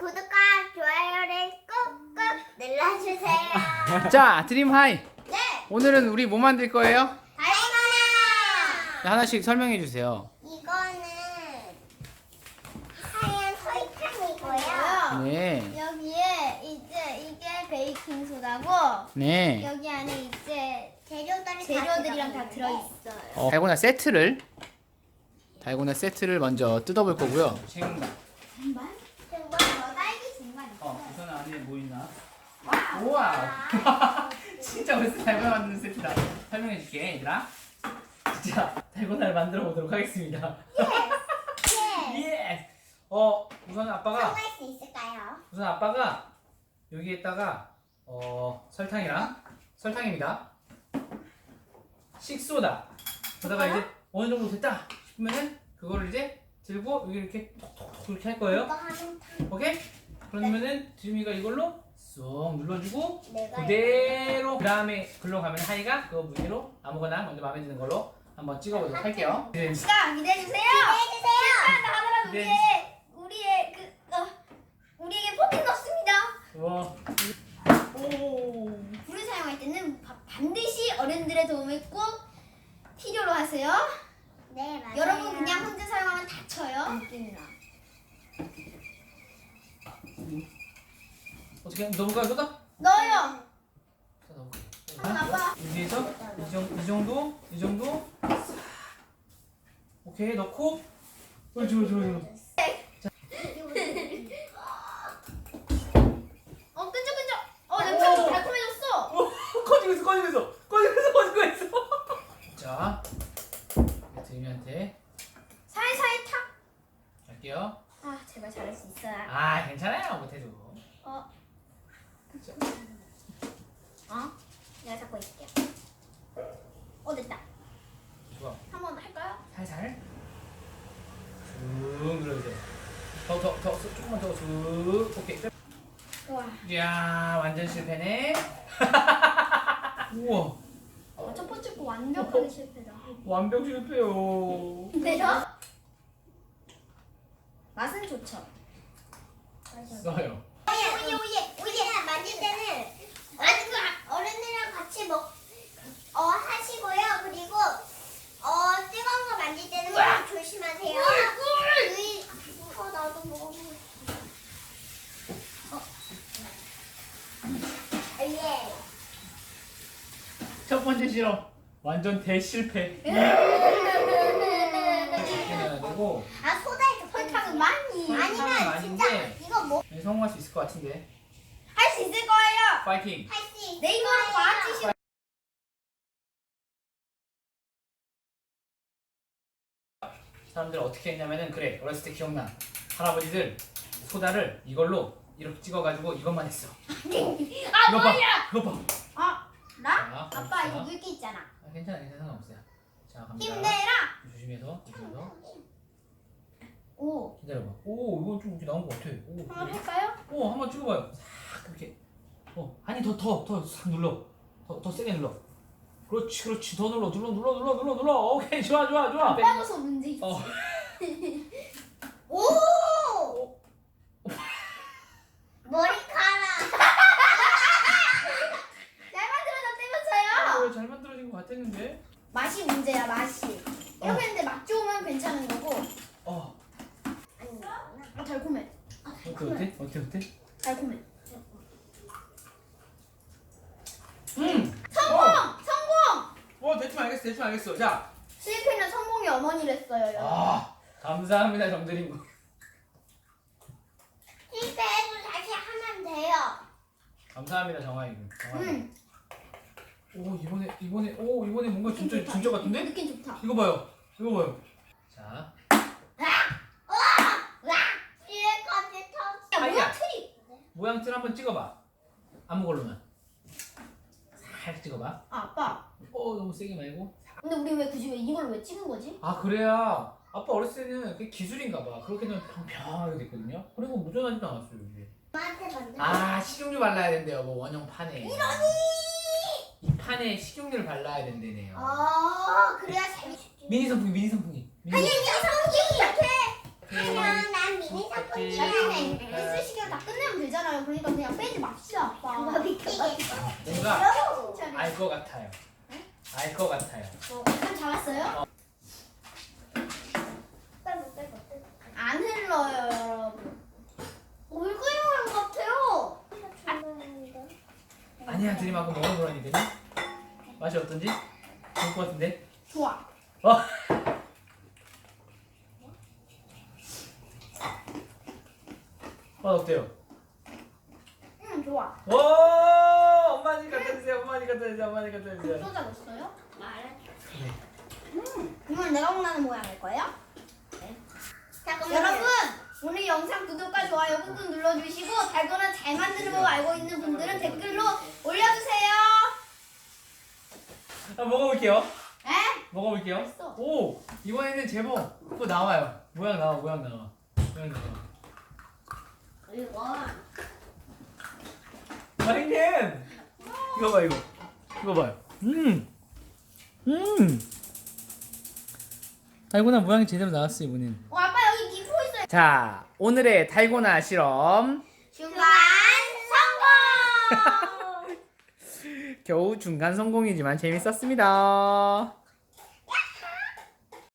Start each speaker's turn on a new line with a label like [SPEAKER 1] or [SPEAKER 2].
[SPEAKER 1] 구독과 좋아요를 꾹꾹 눌러주세요.
[SPEAKER 2] 자, 드림하이.
[SPEAKER 1] 네,
[SPEAKER 2] 오늘은 우리 뭐 만들 거예요?
[SPEAKER 1] 다이거나.
[SPEAKER 2] 하나씩 설명해 주세요.
[SPEAKER 1] 이거는 하얀 설탕이고요.
[SPEAKER 2] 네.
[SPEAKER 1] 여기에 이제 이게 베이킹 소다고
[SPEAKER 2] 네.
[SPEAKER 1] 여기 안에 이제 재료들이랑 다 들어있어요.
[SPEAKER 2] 달고나 세트를 먼저 뜯어볼 거고요. 생강.
[SPEAKER 1] 정말? 너 딸기 정말 있어.
[SPEAKER 2] 우선 안에 뭐 있나? 우와. 진짜 벌써 달고나 만드는 세트다. 설명해 줄게, 얘들아. 진짜 달고나를 만들어 보도록 하겠습니다. 예. 우선 아빠가
[SPEAKER 1] 성공할 수 있을까요?
[SPEAKER 2] 여기에다가 설탕입니다. 식소다. 그러다가 이제 어느 정도 됐다 싶으면은 그거를 이제 들고 여기 이렇게 톡톡톡 이렇게 할 거예요.
[SPEAKER 1] 이거 하면
[SPEAKER 2] 오케이? 그러면은 드림이가 이걸로 쏙 눌러주고
[SPEAKER 1] 내가
[SPEAKER 2] 그대로 그 다음에 글로 가면 하이가 그 무늬로 아무거나 먼저 마음에 드는 걸로 한번 찍어보도록 할게요.
[SPEAKER 1] 시간 기대해주세요. 하더라도 우리에게 포켓 넣습니다.
[SPEAKER 2] 우와.
[SPEAKER 1] 불을 사용할 때는 반드시 어른들의 도움을 꼭 필요로 하세요. 네, 맞아요. 여러분 그냥 혼자 사용하면 다쳐요. 느낌이나.
[SPEAKER 2] 어떻게 너무가 쏟아?
[SPEAKER 1] 넣어요.
[SPEAKER 2] 자,
[SPEAKER 1] 아빠.
[SPEAKER 2] 여기에서 이 정도 오케이 넣고 옳지.
[SPEAKER 1] 끈적끈적. 냄새가 좀 달콤해졌어.
[SPEAKER 2] 꺼지고 있어. 자, 드림이한테
[SPEAKER 1] 살살 탁.
[SPEAKER 2] 갈게요.
[SPEAKER 1] 아, 제발 잘할 수 있어요.
[SPEAKER 2] 아, 괜찮아요. 못해도.
[SPEAKER 1] 내가 잡고 있을게. 됐다.
[SPEAKER 2] 좋아.
[SPEAKER 1] 한번 할까요?
[SPEAKER 2] 살살 쭉 눌러주세요. 더 조금만 더 쭉. 오케이.
[SPEAKER 1] 와.
[SPEAKER 2] 이야, 완전 실패네. 우와,
[SPEAKER 1] 첫 번째 거 완벽하게 실패다.
[SPEAKER 2] 완벽 실패요.
[SPEAKER 1] 근데요? 맛은 좋죠.
[SPEAKER 2] 써요.
[SPEAKER 1] 오예 만질 때는 어른들이랑 같이 하시고요. 그리고 뜨거운 거 만질 때는 꼭 조심하세요. 나도 먹어보고 싶어. 예.
[SPEAKER 2] 첫 번째 실험 완전 대실패. 그리고
[SPEAKER 1] 소다에 설탕은 많이.
[SPEAKER 2] 설탕은
[SPEAKER 1] 아니면 진짜
[SPEAKER 2] 많은데.
[SPEAKER 1] 이거
[SPEAKER 2] 성공할 수 있을 것 같은데.
[SPEAKER 1] 할 수 있을 거예요.
[SPEAKER 2] 파이팅.
[SPEAKER 1] 할 수 있을 내 이거는 과학지식.
[SPEAKER 2] 사람들 어떻게 했냐면은 그래 어렸을 때 기억나 할아버지들 소다를 이걸로 이렇게 찍어가지고 이것만 했어. 이거 봐.
[SPEAKER 1] 나?
[SPEAKER 2] 자,
[SPEAKER 1] 아빠
[SPEAKER 2] 자.
[SPEAKER 1] 이거 물기 있잖아.
[SPEAKER 2] 괜찮아 상관없어요. 자 갑니다.
[SPEAKER 1] 힘내라.
[SPEAKER 2] 조심해서.
[SPEAKER 1] 오.
[SPEAKER 2] 기다려봐. 오 이건 좀 이렇게 나온 것 같아.
[SPEAKER 1] 한번 할까요?
[SPEAKER 2] 한번 찍어봐요. 싹 이렇게. 아니 더 싹 눌러. 더 세게 눌러. 그렇지 더 눌러. 오케이 좋아.
[SPEAKER 1] 빨아서 문제 있지. 오! 머리카락. 잘 만들어졌다면서요?
[SPEAKER 2] 잘 만들어진 것 같았는데.
[SPEAKER 1] 맛이 문제야 맛이. 이렇게 했는데 맛 좋으면 괜찮은 거고. 달콤해.
[SPEAKER 2] 어때?
[SPEAKER 1] 달콤해. 성공!
[SPEAKER 2] 대충 알겠어. 자.
[SPEAKER 1] 실패는 성공의 어머니랬어요. 여러분.
[SPEAKER 2] 감사합니다 정드림.
[SPEAKER 1] 실패해도 다시 하면 돼요.
[SPEAKER 2] 감사합니다 정아이. 이번에 뭔가 진짜 같은데?
[SPEAKER 1] 느낌 좋다.
[SPEAKER 2] 이거 봐요. 자.
[SPEAKER 1] 뭐야 트리?
[SPEAKER 2] 모양 틀 한번 찍어봐. 아무 걸로만. 살짝 찍어봐.
[SPEAKER 1] 아빠.
[SPEAKER 2] 너무 세게 말고.
[SPEAKER 1] 근데 우리 왜 굳이 이걸로 왜 찍은 거지?
[SPEAKER 2] 그래야 아빠 어렸을 때는 그게 기술인가 봐. 그렇게 되면 평평하게 됐거든요. 그리고 무전하지도 않았어요 이게. 식용유 발라야 된대요. 원형 판에. 이 판에 식용유를 발라야 된대네요.
[SPEAKER 1] 그래야 재밌지.
[SPEAKER 2] 미니 선풍기.
[SPEAKER 1] 아니 성기 이렇게.
[SPEAKER 3] 난 미니 선풍기.
[SPEAKER 1] 나중에 펜슬 시간 다 끝내면 되잖아요. 그러니까 그냥 빼지 맙시다, 아빠.
[SPEAKER 2] 뭔가 알 것 같아요. 알 것 같아요.
[SPEAKER 1] 감 잡았어요? 안 흘러요, 여러분. 물그림한 것 같아요.
[SPEAKER 2] 아니야, 드림하고 먹어 그러니 되니? 맛이 어떤지? 좋을 것 같은데?
[SPEAKER 1] 좋아.
[SPEAKER 2] 맛 어때요?
[SPEAKER 1] 좋아.
[SPEAKER 2] 오! 엄마님 갖다 주세요. 엄마님 갖다 주세요. 엄마님 갖다 주세요.
[SPEAKER 1] 소자 넣었어요?
[SPEAKER 2] 네.
[SPEAKER 1] 이건 내가 원하는 모양일 거예요?
[SPEAKER 3] 잠깐만요.
[SPEAKER 1] 여러분, 오늘 영상 구독과 좋아요 꾹꾹 눌러주시고 달고나 잘 만드는 법 알고 있는 분들은 댓글로 올려주세요.
[SPEAKER 2] 먹어볼게요.
[SPEAKER 1] 에?
[SPEAKER 2] 먹어볼게요.
[SPEAKER 1] 맛있어.
[SPEAKER 2] 오! 이번에는 제법 그거 나와요. 모양 나와. 모양 나와. 마리님! 이거 봐, 이거. 이거 봐요. 달고나 모양이 제대로 나왔어, 이번엔.
[SPEAKER 1] 아빠 여기 기포 있어요.
[SPEAKER 2] 자, 오늘의 달고나 실험.
[SPEAKER 1] 중간 성공.
[SPEAKER 2] 겨우 중간 성공이지만 재밌었습니다.